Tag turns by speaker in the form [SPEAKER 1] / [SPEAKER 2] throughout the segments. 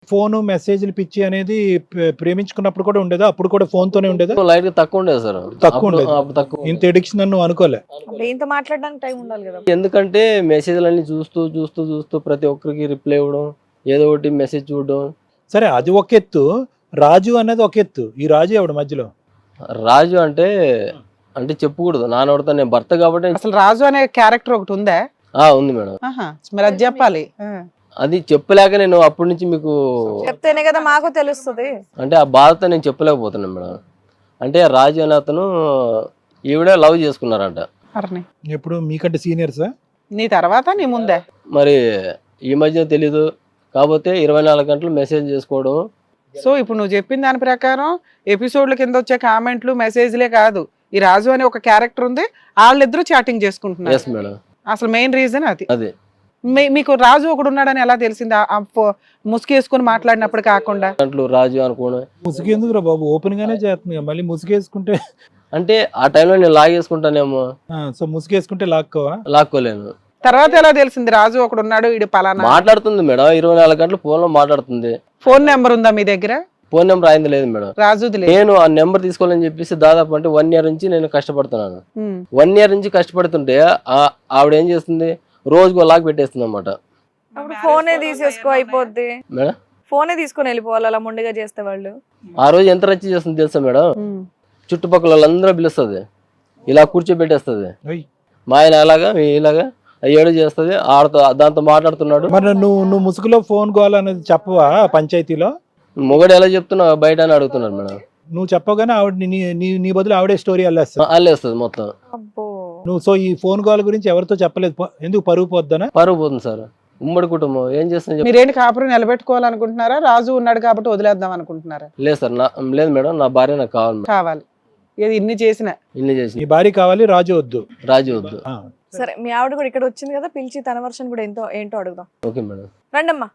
[SPEAKER 1] Phone మెసేజ్లు పిచ్చి అనేది ప్రేమించుకున్నప్పుడు కూడా ఉండేదా? అప్పుడు కూడా ఫోన్ తోనే ఉండేదా?
[SPEAKER 2] లైట్ గా తక్కువ ఉండేది సార్.
[SPEAKER 1] తక్కువ ఉండేది.
[SPEAKER 2] తక్కువ.
[SPEAKER 1] ఇంత ఎడిక్షన్ అని నువ్వు అనుకోలే?
[SPEAKER 3] ఇంత మాట్లాడడానికి టైం ఉండాలి కదా.
[SPEAKER 2] ఎందుకంటే మెసేజ్లన్నీ చూస్తూ చూస్తూ చూస్తూ ప్రతి ఒక్కరికి రిప్లై ఇవ్వడం, ఏదో ఒకటి మెసేజ్ చూడడం.
[SPEAKER 1] సరే, అది ఒక ఎత్తు. రాజు అనేది ఒక ఎత్తు. ఈ రాజు ఎవడు మధ్యలో?
[SPEAKER 2] రాజు అంటే అంటే చెప్పకూడదు, నానోడతా, నేను భర్త కాబట్టి.
[SPEAKER 4] అసలు రాజు అనే క్యారెక్టర్ ఒకటి ఉందా?
[SPEAKER 2] ఉంది మేడం.
[SPEAKER 4] మరి అది చెప్పాలి.
[SPEAKER 2] అది చెప్పలేక నేను అప్పటి నుంచి మీకు
[SPEAKER 3] చెప్తేనే కదా మాకు తెలుస్తుంది.
[SPEAKER 2] అంటే ఆ బాధతో నేను చెప్పలేకపోతున్నాను మేడం. అంటే రాజు అనే అతను ఈవిడ లవ్ చేసుకున్నారంట.
[SPEAKER 1] ఎప్పుడు మీకంటే సీనియర్సా?
[SPEAKER 4] నీ తర్వాత నీ ముందే?
[SPEAKER 2] మరి ఈ మధ్య తెలీదు, కాకపోతే 24 గంటలు మెసేజ్ చేసుకోవడం.
[SPEAKER 4] సో ఇప్పుడు నువ్వు చెప్పిన దాని ప్రకారం ఎపిసోడ్ల కింద వచ్చే కామెంట్లు మెసేజ్లే కాదు, ఈ రాజు అనే ఒక క్యారెక్టర్ ఉంది, వాళ్ళిద్దరూ చాటింగ్ చేసుకుంటున్నారు.
[SPEAKER 2] Yes madam.
[SPEAKER 4] అసలు మెయిన్ రీజన్ అది.
[SPEAKER 2] అదే
[SPEAKER 4] మీకు రాజు ఒకడు ఉన్నాడని ఎలా తెలిసింది? ముసుగేసుకుని మాట్లాడినప్పుడు కాకుండా
[SPEAKER 2] గంటలు రాజు అనుకోవడం.
[SPEAKER 1] ముసుగు ఎందుకురా బాబు? ఓపెన్ గానే చేస్తుంది, మళ్ళీ ముసుగేసుకుంటే
[SPEAKER 2] అంటే ఆ టైంలో నేను లాగేసుకుంటానేమో.
[SPEAKER 1] సో ముసుగేసుకుంటే లాక్కోవా?
[SPEAKER 2] లాక్కోలేను.
[SPEAKER 4] తర్వాత ఎలా తెలిసింది రాజు ఒకడు ఉన్నాడు, ఇది పలానా?
[SPEAKER 2] మాట్లాడుతుంది మేడం, 24 గంటలు ఫోన్ లో మాట్లాడుతుంది.
[SPEAKER 4] ఫోన్ నెంబర్ ఉందా మీ దగ్గర?
[SPEAKER 2] ఫోన్ నెంబర్ అయింది లేదు మేడం.
[SPEAKER 4] రాజుది లేదు.
[SPEAKER 2] నేను ఆ నెంబర్ తీసుకోవాలని చెప్పేసి దాదాపు అంటే 1 year నుంచి నేను కష్టపడుతున్నాను. 1 year నుంచి కష్టపడుతుంటే ఆవిడ ఏం చేస్తుంది, రోజుకు లాక్ పెట్టేస్తుంది అన్నమాట.
[SPEAKER 3] ఫోనే తీసేసుకో అయిపోద్ది
[SPEAKER 2] మేడం.
[SPEAKER 3] ఫోనే తీసుకొని వెళ్ళిపోవాలి అలా ముందుగా చేస్తే వాళ్ళు.
[SPEAKER 2] ఆ రోజు ఎంత రచ్చ చేస్తుంది తెలుసా మేడం? చుట్టుపక్కల వాళ్ళందరూ పిలుస్తుంది, ఇలా కూర్చోబెట్టేస్తుంది. మా ఆయన అలాగా ఇలాగా ఏడు చేస్తుంది, ఆడతో దాంతో మాట్లాడుతున్నాడు.
[SPEAKER 1] మరి నువ్వు ముసుగులో ఫోన్ గోల్ అనేది చెప్పవా పంచాయతీలో?
[SPEAKER 2] మొగడు ఎలా చెప్తున్నావు బయట అని అడుగుతున్నారు మేడం.
[SPEAKER 1] నువ్వు చెప్పగానే ఆవిడ నీ బదులు ఆవిడే స్టోరీ
[SPEAKER 2] అల్లేస్తుంది మొత్తం.
[SPEAKER 1] నువ్వు సో ఈ ఫోన్ కాల్ గురించి ఎవరితో చెప్పలేదు, ఎందుకు? పరుగు పోద్దనా?
[SPEAKER 2] పరుగు పోతుంది సార్. ఉమ్మడి కుటుంబం ఏం చేస్తుంది?
[SPEAKER 4] మీరేంటి కాపురం నిలబెట్టుకోవాలనుకుంటున్నారా? రాజు ఉన్నాడు కాబట్టి వదిలేద్దాం అనుకుంటున్నారా?
[SPEAKER 2] లేదు సార్, లేదు మేడం, నా భార్య నాకు
[SPEAKER 4] కావాలి. ఇది ఇన్ని చేసిన
[SPEAKER 1] నీ భార్య కావాలి, రాజు వద్దు.
[SPEAKER 2] రాజు వద్దు.
[SPEAKER 3] సరే, మీ ఆవిడ కూడా ఇక్కడ వచ్చింది కదా, పిలిచి తన వర్షన్ కూడా ఏంటో అడుగుదాం.
[SPEAKER 2] Okay madam.
[SPEAKER 3] రండమ్మా.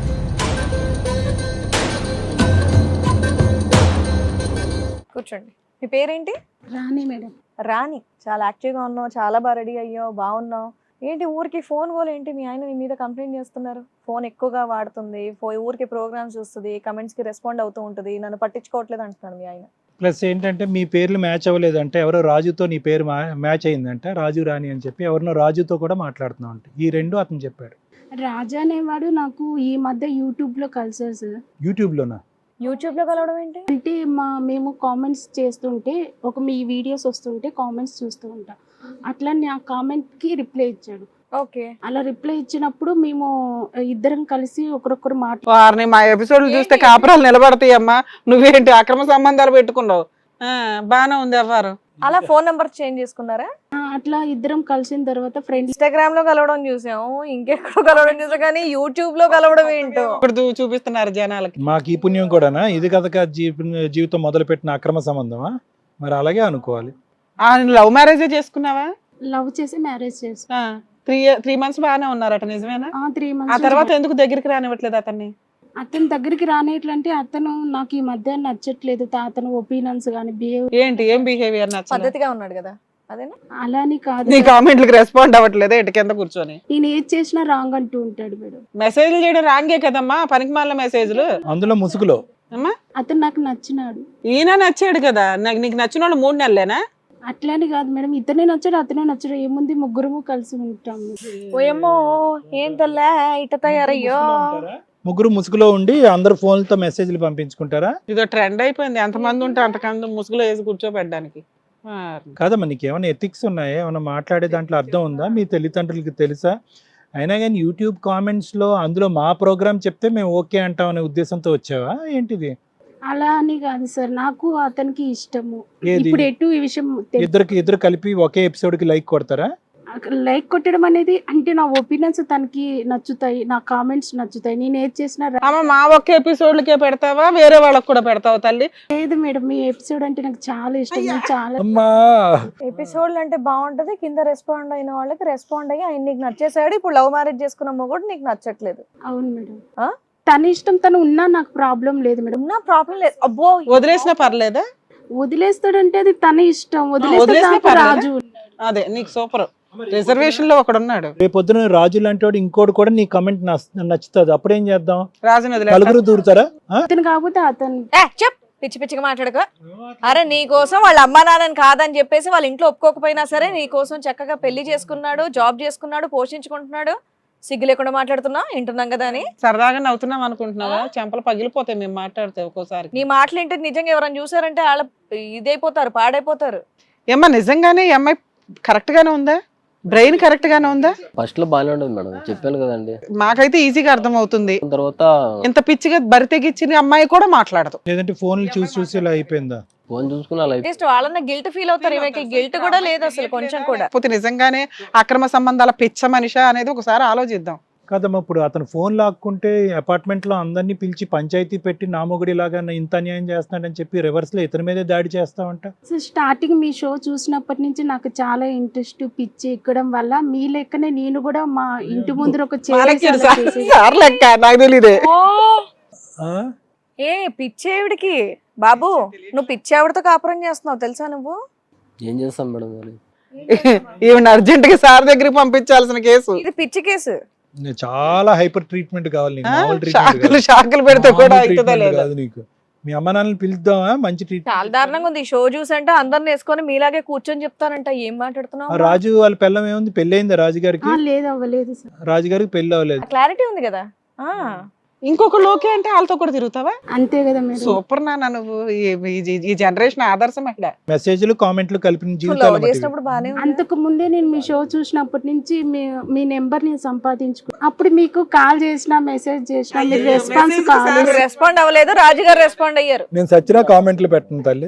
[SPEAKER 3] కూర్చోండి. మీ పేరేంటి?
[SPEAKER 5] రాణి మేడం.
[SPEAKER 3] రాణి, చాలా యాక్టివ్గా ఉన్నావు, చాలా బాగా రెడీ అయ్యావు, బాగున్నావు. ఏంటి ఊరికి ఫోన్ గోల్ ఏంటి? మీ ఆయన నీ మీద కంప్లైంట్ చేస్తున్నారు, ఫోన్ ఎక్కువగా వాడుతుంది, ఊరికి ప్రోగ్రామ్స్ చూస్తుంది, కమెంట్స్కి రెస్పాండ్ అవుతూ ఉంటుంది, నన్ను పట్టించుకోవట్లేదు అంటున్నాను మీ ఆయన.
[SPEAKER 1] ప్లస్ ఏంటంటే మీ పేర్లు మ్యాచ్ అవ్వలేదంటే, ఎవరో రాజుతో నీ పేరు మ్యాచ్ అయిందంటే రాజు రాణి అని చెప్పి ఎవరినో రాజుతో కూడా మాట్లాడుతున్నావు అంటే, ఈ రెండు అతను చెప్పాడు.
[SPEAKER 5] రాజా అనేవాడు నాకు ఈ మధ్య యూట్యూబ్లో కలిసారు సార్.
[SPEAKER 1] యూట్యూబ్లోనా?
[SPEAKER 3] యూట్యూబ్లో కలవడం ఏంటి?
[SPEAKER 5] అంటే మేము కామెంట్స్ చేస్తుంటే మీ వీడియోస్ వస్తుంటే కామెంట్స్ చూస్తూ ఉంటాం, అట్లా నా కామెంట్కి రిప్లై ఇచ్చాడు.
[SPEAKER 3] ఓకే.
[SPEAKER 5] అలా రిప్లై ఇచ్చినప్పుడు మేము ఇద్దరం కలిసి ఒకరొకరు
[SPEAKER 4] వారిని మా ఎపిసోడ్లు చూస్తే కాపురాలు నిలబడతాయమ్మా. నువ్వేంటి అక్రమ సంబంధాలు పెట్టుకున్నావు? బానే ఉంది అవ్వారు.
[SPEAKER 3] అలా ఫోన్ నెంబర్ చేంజ్ చేసుకున్నారా?
[SPEAKER 5] అట్లా ఇద్దరం కలిసిన తర్వాత ఫ్రెండ్స్.
[SPEAKER 3] ఇన్స్టాగ్రామ్ లో కలవడం చూసాము, ఇంకెక్కడో కలవడం చూసాం, కానీ యూట్యూబ్ లో కలవడం ఏంటో
[SPEAKER 4] ఇప్పుడు చూపిస్తున్నారు జనాలకి.
[SPEAKER 1] మాకు ఈ పుణ్యం కూడానా? ఇది కథగా జీవితం మొదలు పెట్టిన అక్రమ సంబంధమా? మరి అలాగే అనుకోవాలి.
[SPEAKER 4] లవ్ మ్యారేజే చేసుకున్నావా?
[SPEAKER 5] లవ్ చేసి మ్యారేజ్ చేసుకున్నా.
[SPEAKER 4] 3 months బాగానే ఉన్నారట, నిజమేనా?
[SPEAKER 5] 3 months.
[SPEAKER 4] ఆ తర్వాత ఎందుకు దగ్గరికి రానివ్వట్లేదు అతన్ని?
[SPEAKER 5] అతని దగ్గరికి రానేట్లంటే అతను నాకు ఈ మధ్య నచ్చట్లేదు, అతను ఒపీనియన్స్ కానీ
[SPEAKER 4] ఏంటి, ఏం బిహేవియర్ నచ్చలేదు?
[SPEAKER 3] పద్ధతిగా ఉన్నాడు కదా, అదేనా?
[SPEAKER 5] అలాని కాదు,
[SPEAKER 4] నీ కామెంట్లకు రెస్పాండ్ అవ్వట్లేదు, ఇటు కింద కూర్చొని
[SPEAKER 5] నేను ఏది చేసినా రాంగ్ అంటూ ఉంటాడు మేడం.
[SPEAKER 4] మెసేజ్లు చేయడం రాంగే కదమ్మా, పనికిమాలిన మెసేజ్లు.
[SPEAKER 1] అందులో ముసుగులో
[SPEAKER 4] అమ్మా
[SPEAKER 5] అతను నాకు నచ్చినాడు.
[SPEAKER 4] ఈయన నచ్చాడు కదా, నీకు నచ్చిన వాళ్ళు 3 నెలలేనా?
[SPEAKER 5] అట్లాని కాదు మేడం, ఇతనే నచ్చాడు అతనే నచ్చాడు, ఏముంది ముగ్గురము కలిసి ఉంటాము.
[SPEAKER 3] ఓయమ్మో, ఏం తల్లా ఇట తయారయ్యో.
[SPEAKER 1] ముగ్గురు ముసుగులో ఉండి అందరు ఫోన్లతో మెసేజ్లు పంపించుకుంటారా?
[SPEAKER 4] ఇదో ట్రెండ్ అయిపోయింది, ఎంతమంది ఉంటే అంతకంత ముసుగులో వేసి కూర్చోబెట్టడానికి.
[SPEAKER 1] కాదమ్మా, నీకు ఏమైనా ఎథిక్స్ ఉన్నాయా? ఏమైనా మాట్లాడే దాంట్లో అర్థం ఉందా? మీ తల్లిదండ్రులకి తెలుసా? అయినా కానీ యూట్యూబ్ కామెంట్స్లో అందులో మా ప్రోగ్రామ్ చెప్తే మేము ఓకే అంటాం అనే ఉద్దేశంతో వచ్చావా ఏంటిది?
[SPEAKER 5] అలా అని కాదు సార్, నాకు అతనికి ఇష్టము. ఇప్పుడు ఎటు ఈ విషయం
[SPEAKER 1] ఇద్దరు కలిపి ఒకే ఎపిసోడ్ కి లైక్ కొడతారా?
[SPEAKER 5] లైక్ కొట్టడం అనేది అంటే నా ఒపీనియన్స్ తనకి నచ్చుతాయి, నా కామెంట్స్ నచ్చుతాయి, నేను ఏది చేసినా.
[SPEAKER 4] మా ఒక్క ఎపిసోడ్లకే పెడతావా, వేరే వాళ్ళకి కూడా పెడతావా తల్లి?
[SPEAKER 5] లేదు మేడం, మీ ఎపిసోడ్ అంటే నాకు చాలా ఇష్టం. చాలా
[SPEAKER 3] ఎపిసోడ్లు అంటే బాగుంటది, కింద రెస్పాండ్ అయిన వాళ్ళకి రెస్పాండ్ అయ్యి ఆయన నీకు నచ్చేసాడు. ఇప్పుడు లవ్ మ్యారేజ్ చేసుకున్న మొగుడు నీకు నచ్చట్లేదు.
[SPEAKER 5] అవును మేడం, తన ఇష్టం, తను ఉన్నా నాకు ప్రాబ్లం లేదు మేడం.
[SPEAKER 3] ఉన్నా ప్రాబ్లం లేదు. అబ్బో,
[SPEAKER 4] వదిలేసినా పర్లేదా?
[SPEAKER 5] వదిలేస్తాడంటే అది తన ఇష్టం. వదిలేస్తే రాజు ఉన్నాడు.
[SPEAKER 4] అదే నీకు సూపర్. రిజర్వేషన్ లో ఒకడు ఉన్నాడు,
[SPEAKER 1] రేపొద్దున రాజు లాంటి వాడు ఇంకోటి కూడా నీ కమెంట్ నచ్చుతుంది, అప్పుడేం చేద్దాం?
[SPEAKER 4] రాజు
[SPEAKER 1] నలుగురు దూరుతారా?
[SPEAKER 5] అతను కాకపోతే అతను
[SPEAKER 3] చెప్ పిచ్చి పిచ్చిగా మాట్లాడక. అరే నీ కోసం వాళ్ళ అమ్మా నాన్నని కాదని చెప్పేసి వాళ్ళ ఇంట్లో ఒప్పుకోకపోయినా సరే నీ కోసం చక్కగా పెళ్లి చేసుకున్నాడు, జాబ్ చేసుకున్నాడు, పోషించుకుంటున్నాడు. సిగ్గు లేకుండా మాట్లాడుతున్నా, వింటున్నాం కదా అని.
[SPEAKER 4] సరదాగా నవ్వుతున్నాం అనుకుంటున్నావా? చెంపలు పగిలిపోతాయి మేము మాట్లాడితే ఒక్కోసారి.
[SPEAKER 3] నీ మాటలు ఏంటి నిజంగా ఎవరైనా చూసారంటే వాళ్ళ ఇదైపోతారు, పాడైపోతారు.
[SPEAKER 4] ఏమ్మా నిజంగానే ఈ అమ్మాయి కరెక్ట్ గానే ఉందా? బ్రెయిన్ కరెక్ట్ గానే ఉందా?
[SPEAKER 2] ఫస్ట్ లో బాగానే ఉండదు మేడం, చెప్పాను కదండి.
[SPEAKER 4] మాకైతే ఈజీగా అర్థం అవుతుంది.
[SPEAKER 2] తర్వాత
[SPEAKER 4] ఇంత పిచ్చిగా బరి తెగిచ్చిన అమ్మాయి కూడా మాట్లాడదు.
[SPEAKER 1] లేదంటే ఫోన్లు చూసి చూసి ఇలా అయిపోయిందా?
[SPEAKER 2] ఫోన్ చూసుకుని అలా
[SPEAKER 3] అట్లీస్ట్ వాళ్ళన్న గిల్ట్ ఫీల్ అవుతారు, ఈమెకి గిల్ట్ కూడా లేదు అసలు కొంచెం కూడా.
[SPEAKER 4] పోతే నిజంగానే అక్రమ సంబంధాల పిచ్చ మనిషి అనేది ఒకసారి ఆలోచిద్దాం.
[SPEAKER 1] కదమ్మా, ఇప్పుడు అతను ఫోన్ లాక్కుంటే అపార్ట్మెంట్ లో అందరినీ పిలిచి పంచాయతీ పెట్టి నా మొగుడి లాగా ఇంత అన్యాయం చేస్తున్నాడని చెప్పి రివర్స్ లో ఇతని మీదే దాడి చేస్తావంట.
[SPEAKER 5] సో స్టార్టింగ్ మీ షో చూసినప్పటి నుంచి నాకు చాలా ఇంట్రెస్ట్ పిచ్చి ఎక్కడం వల్ల మీ లెక్కనే నేను కూడా మా ఇంటి ముందర ఒక
[SPEAKER 4] సార్ లెక్క నాకు తెలియదే.
[SPEAKER 1] ఆ?
[SPEAKER 3] ఏ పిచ్చేవిడికి బాబు, నువ్వు పిచ్చేవిడితో కాపురం చేస్తున్నావు తెలుసా నువ్వు?
[SPEAKER 2] ఏం చేస్తాం మేడం మరి?
[SPEAKER 4] ఈవెన్ అర్జెంట్ గా సార్ దగ్గరికి పంపించాల్సిన కేసు
[SPEAKER 3] ఇది పిచ్చి కేసు.
[SPEAKER 1] చాలా హైపర్ ట్రీట్మెంట్ కావాలి నీకు, మామూలు ట్రీట్మెంట్
[SPEAKER 4] షాకులు షాకులు పెడితే కూడా అవుతుందా లేదా?
[SPEAKER 1] కాదు నీకు. మీ అమ్మ నాన్నని పిలుద్దామా? మంచి ట్రీట్మెంట్.
[SPEAKER 3] చాలా దారుణంగా ఉంది ఈ షో చూసంటే అందరిని వేసుకొని మీలాగే కూర్చొని చెప్తానంట. ఏం మాట్లాడుతున్నావు?
[SPEAKER 1] రాజు వాళ్ళ పిల్లం ఏముంది? పెళ్లి అయిందా రాజుగారికి?
[SPEAKER 5] లేదు అవ్వలేదు సార్.
[SPEAKER 1] రాజుగారికి పెళ్లి అవ్వలేదు.
[SPEAKER 3] క్లారిటీ ఉంది కదా.
[SPEAKER 4] ఇంకొక లోకే అంటే వాళ్ళతో కూడా తిరుగుతావా?
[SPEAKER 5] అంతే కదా మేడం.
[SPEAKER 4] సూపర్ నాన్న నువ్వు. ఈ జనరేషన్ ఆదర్శం అక్కడ.
[SPEAKER 1] మెసేజ్లు కామెంట్లు కలిపిన జీవితాలు
[SPEAKER 3] చేసినప్పుడు బానే ఉంది.
[SPEAKER 5] అంతకు ముందే నేను మీ షో చూసినప్పటి నుంచి మీ నెంబర్ నేను సంపాదించుకున్నాను. అప్పుడు మీకు కాల్ చేసిన మెసేజ్ చేసిన మీరు రెస్పాన్స్ కావాలి.
[SPEAKER 3] రెస్పాండ్ అవ్వలేదు, రాజుగారు రెస్పాండ్ అయ్యారు.
[SPEAKER 1] నేను సచ్చినా కామెంట్లు పెట్టను తల్లి.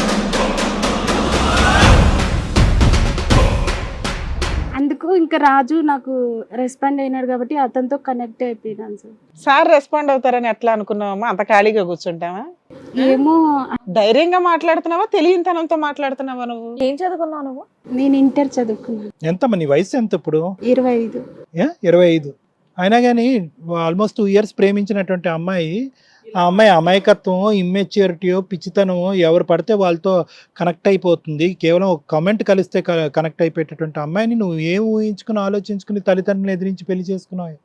[SPEAKER 5] అందుకు ఇంకా రాజు నాకు రెస్పాండ్ అయినాడు కాబట్టి అతనితో కనెక్ట్ అయిపోయినాను సార్.
[SPEAKER 4] సార్ రెస్పాండ్ అవుతారని ఎట్లా అనుకున్నావమ్మా? అంత ఖాళీగా కూర్చుంటావా?
[SPEAKER 5] ఏమో
[SPEAKER 4] ధైర్యంగా మాట్లాడుతున్నావా, తెలియనితనంతో మాట్లాడుతున్నావా? నువ్వు
[SPEAKER 3] ఏం చదువుకున్నావు నువ్వు?
[SPEAKER 5] నేను ఇంటర్ చదువుకున్నాను.
[SPEAKER 1] ఎంతమ్మా నీ వయసు ఎంత ఇప్పుడు?
[SPEAKER 5] 25.
[SPEAKER 1] 25. అయినా కానీ ఆల్మోస్ట్ 2 years ప్రేమించినటువంటి అమ్మాయి, ఆ అమ్మాయి అమాయకత్వం, ఇమ్మెచ్యూరిటీయో, పిచ్చితనమో ఎవరు పడితే వాళ్ళతో కనెక్ట్ అయిపోతుంది. కేవలం ఒక కమెంట్ కలిస్తే కనెక్ట్ అయిపోయేటటువంటి అమ్మాయిని నువ్వు ఏం ఊహించుకుని ఆలోచించుకుని తల్లిదండ్రులను ఎదిరించి పెళ్లి చేసుకున్నావు?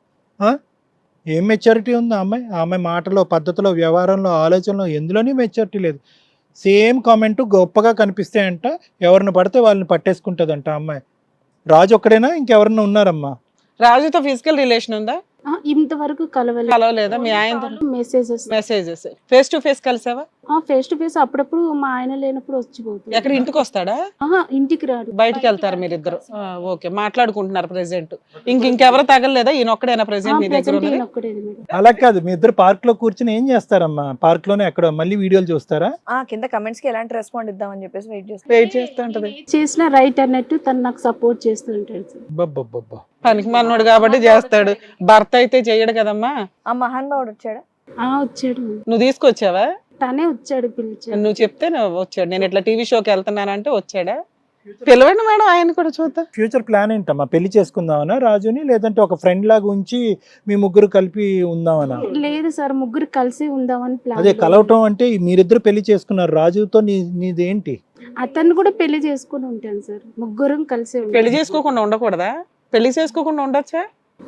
[SPEAKER 1] ఏం మెచ్యూరిటీ ఉంది ఆ అమ్మాయి? ఆ అమ్మాయి మాటలో, పద్ధతిలో, వ్యవహారంలో, ఆలోచనలో ఎందులోనే మెచ్యూరిటీ లేదు. సేమ్ కామెంట్ గొప్పగా కనిపిస్తాయంట, ఎవరిని పడితే వాళ్ళని పట్టేసుకుంటుందంట ఆ అమ్మాయి. రాజు ఒక్కడేనా ఇంకెవరన్నా ఉన్నారమ్మా?
[SPEAKER 4] రాజుతో ఫిజికల్ రిలేషన్ ఉందా?
[SPEAKER 5] ఇంతవరకు
[SPEAKER 4] కలవలేదా? మీ ఆయన మెసేజెస్ ఫేస్ టు ఫేస్ కలిసావా?
[SPEAKER 5] ఫేస్ టు ఫేస్ అప్పుడప్పుడు మా ఆయన లేనప్పుడు వచ్చిపోతుంది.
[SPEAKER 4] ఎక్కడ ఇంటికి వస్తాడా?
[SPEAKER 5] ఇంటికి రాడు,
[SPEAKER 4] బయటికి వెళ్తారు మీరిద్దరు. ఓకే, మాట్లాడుకుంటున్నారు ప్రెసెంట్. ఇంకెవరు తగలలేదా? ఈయన ఒక్కడైనా ప్రెసెంట్ మీ దగ్గర ఉన్నది?
[SPEAKER 1] అలా కాదు, మీ ఇద్దరు పార్క్ లో కూర్చుని ఏం చేస్తారమ్మా? పార్క్ లోనే ఎక్కడ మళ్ళీ వీడియోలు చూస్తారా?
[SPEAKER 3] కింద కమెంట్స్ కి ఎలాంటి రెస్పాండ్ ఇద్దామని చెప్పేసి
[SPEAKER 4] వెయిట్ చేస్తూ ఉంటది.
[SPEAKER 5] చేసిన రైట్ అన్నట్టు తను నాకు సపోర్ట్ చేస్తుంటాడు సార్.
[SPEAKER 4] పనికి మనోడు కాబట్టి చేస్తాడు, భర్త అయితే చెయ్యడు కదమ్మా.
[SPEAKER 3] ఆ మహానుభావుడు వచ్చాడా?
[SPEAKER 5] వచ్చాడు.
[SPEAKER 4] నువ్వు తీసుకొచ్చావా?
[SPEAKER 5] తనే వచ్చాడు, పిలిచాడు.
[SPEAKER 4] నువ్వు చెప్తే వచ్చాడు. నేను ఇట్లా టీవీ షోకి వెళ్తున్నానంటే వచ్చాడా? పిలవండి మేడం, ఆయన కూడా చూద్దాం.
[SPEAKER 1] ఫ్యూచర్ ప్లాన్ ఏంటమ్మా? పెళ్లి చేసుకుందామనా రాజుని, లేదంటే ఒక ఫ్రెండ్ లాగా ఉంచి మీ ముగ్గురు కలిపి ఉందామనా?
[SPEAKER 5] లేదు సార్, ముగ్గురు కలిసి ఉందామని ప్లాన్.
[SPEAKER 1] అదే కలవటం అంటే మీరిద్దరు పెళ్లి చేసుకున్నారు. రాజుతో నీదేంటి?
[SPEAKER 5] అతన్ని కూడా పెళ్లి చేసుకుని ఉంటాను సార్. ముగ్గురం కలిసి
[SPEAKER 4] పెళ్లి చేసుకోకుండా ఉండకూడదా? పెళ్లి చేసుకోకుండా ఉండొచ్చా?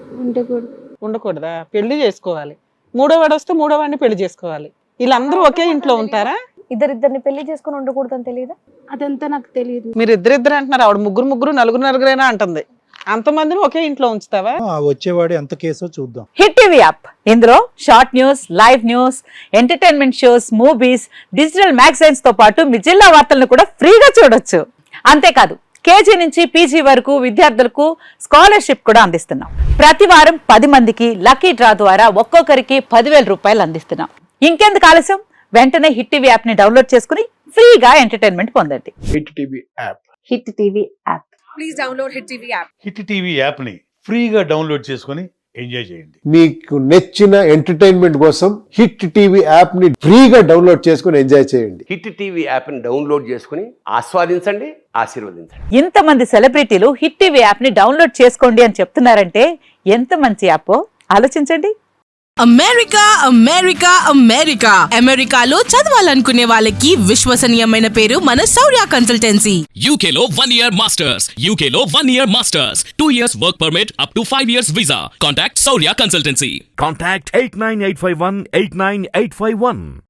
[SPEAKER 4] ఉండకూడదా? పెళ్లి చేసుకోవాలి. మూడో వాడు వస్తే మూడో వాడిని పెళ్లి చేసుకోవాలి. వీళ్ళందరూ ఒకే ఇంట్లో ఉంటారా?
[SPEAKER 3] ఇద్దరిద్దరిని పెళ్లి చేసుకుని ఉండకూడదు అని తెలియదా?
[SPEAKER 5] అదంతా నాకు తెలియదు.
[SPEAKER 4] మీరు ఇద్దరిద్దరు అంటున్నారు, ఆవిడ ముగ్గురు నలుగురైనా అంటుంది. అంతమందిని ఒకే ఇంట్లో ఉంచుతావా?
[SPEAKER 1] వచ్చేవాడు ఎంత కేసో చూద్దాం.
[SPEAKER 6] హిట్ టీవీ యాప్, ఇందులో short news, live news, entertainment shows, movies, digital magazines తో పాటు మీ జిల్లా వార్తలను కూడా ఫ్రీగా చూడొచ్చు. అంతేకాదు కేజీ నుంచి పీజీ వరకు విద్యార్థులకు స్కాలర్షిప్ కూడా అందిస్తున్నాం. ప్రతి వారం 10 మందికి లక్కీ డ్రా ద్వారా ఒక్కొక్కరికి 10,000 రూపాయలు అందిస్తున్నాం. ఇంకెందుకు ఆలస్యం? వెంటనే హిట్ టీవీ యాప్ ని డౌన్లోడ్ చేసుకుని ఫ్రీగా ఎంటర్టైన్మెంట్ పొందండి.
[SPEAKER 7] Hit TV app.
[SPEAKER 6] Hit TV app.
[SPEAKER 3] Please download Hit TV app.
[SPEAKER 7] Hit TV app ని ఫ్రీగా డౌన్లోడ్ చేసుకొని ఎంజాయ్ చేయండి.
[SPEAKER 8] మీకు నచ్చిన ఎంటర్టైన్మెంట్ కోసం హిట్ టీవీ యాప్ ని ఫ్రీగా డౌన్లోడ్ చేసుకొని ఎంజాయ్ చేయండి.
[SPEAKER 9] హిట్ టీవీ యాప్ ని డౌన్లోడ్ చేసుకుని ఆస్వాదించండి, ఆశీర్వదించండి.
[SPEAKER 6] ఇంతమంది సెలబ్రిటీలు హిట్ టీవీ యాప్ ని డౌన్లోడ్ చేసుకోండి అని చెప్తున్నారంటే ఎంత మంచి యాప్ ఆలోచించండి.
[SPEAKER 10] అమెరికా అమెరికా అమెరికా అమెరికాలో చదవాలనుకునే వాళ్ళకి విశ్వసనీయమైన పేరు మన శౌర్య కన్సల్టెన్సీ.
[SPEAKER 11] UK లో 1 year masters, UK లో 1 year masters, 2 years work permit up to 5 years visa. Contact Saurya Consultancy.
[SPEAKER 12] Contact 89851 89851.